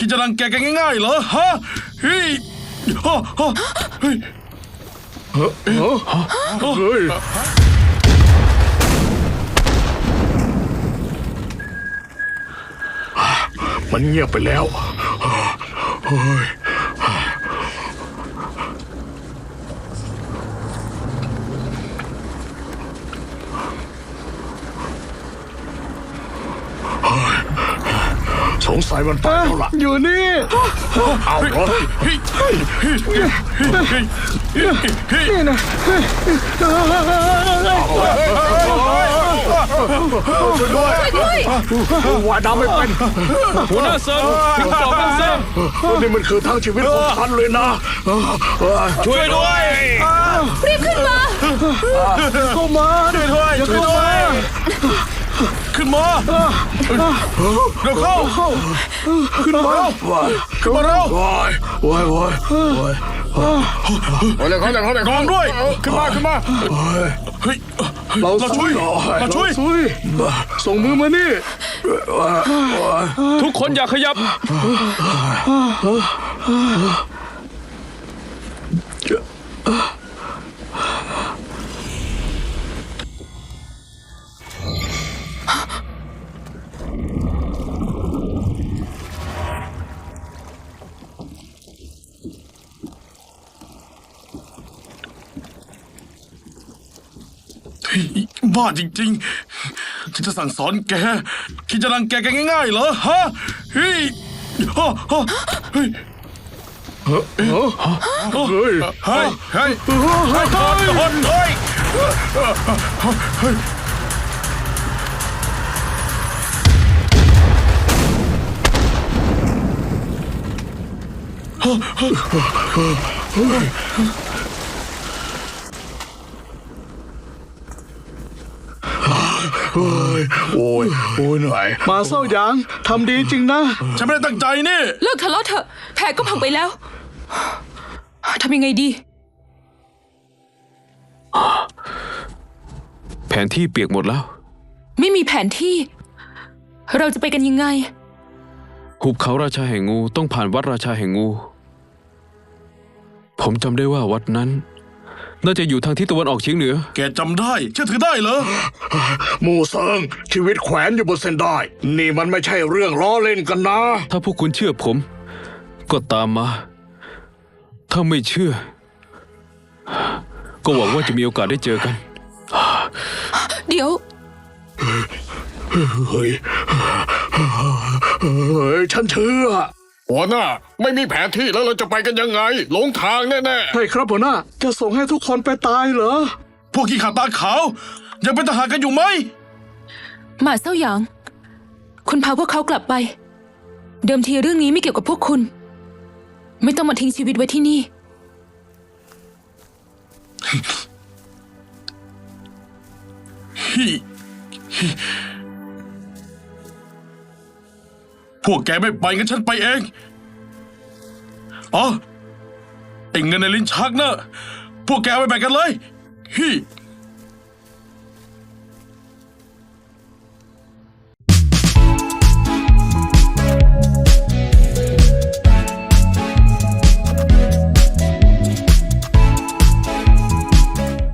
ดจะรังแกกันง่ายๆเหรอฮะเฮ้ยเฮ้ยมันเงียบไปแล้วเฮ้ยสงสัยมันไปแล้วล่ะอยู่นี่เอาเหรอนี่นะช่วยด้วยว่ายน้ำไม่เป็นหัวหน้าเซิร์ฟถึงบอกกันเซิร์ฟนี่มันคือทั้งชีวิตของฉันเลยนะช่วยด้วยรีบขึ้นมาเข้ามาช่วยด้วยขึ้นมาเดี๋ยวเข้าขึ้นมาขึ้นมาเร็วกองด้วยขึ้นมาเฮ้ยเราช่วยส่งมือมานี่ทุกคนอย่าขยับบ้าจริงๆฉันจะสั่งสอนแกคิดจะรังแกกันง่ายๆเหรอฮะเฮ้ยเฮ้ยโอ้ยเหนื่อยมาเศร้าหยางทำดีจริงนะฉันไม่ได้ตั้งใจนี่เลิกทะเลาะเถอะแผลก็พังไปแล้วทำยังไงดีแผนที่เปียกหมดแล้วไม่มีแผนที่เราจะไปกันยังไงหุบเขาราชาแห่งงูต้องผ่านวัดราชาแห่งงูผมจำได้ว่าวัดนั้นน่าจะอยู่ทางทิศตะวันออกเฉียงเหนือแกจำได้เชื่อถือได้เหรอหมู่เซิงชีวิตแขวนอยู่บนเส้นได้นี่มันไม่ใช่เรื่องล้อเล่นกันนะถ้าพวกคุณเชื่อผมก็ตามมาถ้าไม่เชื่อก็หวังว่าจะมีโอกาสได้เจอกันเดี๋ยวเฮ้ยฉันเชื่อหัวหน้าไม่มีแผนที่แล้วเราจะไปกันยังไงหลงทางแน่ๆใช่ครับหัวหน้าจะส่งให้ทุกคนไปตายเหรอพวกขี้ขาตาขาวยังเป็นทหารกันอยู่ไหมหมาเซ้าหยางคุณพาพวกเขากลับไปเดิมทีเรื่องนี้ไม่เกี่ยวกับพวกคุณไม่ต้องมาทิ้งชีวิตไว้ที่นี่พวกแกไม่ไปงั้นฉันไปเองไอ้เงินในลิ้นชักนะพวกแกเอาไปแบ่งกันเลย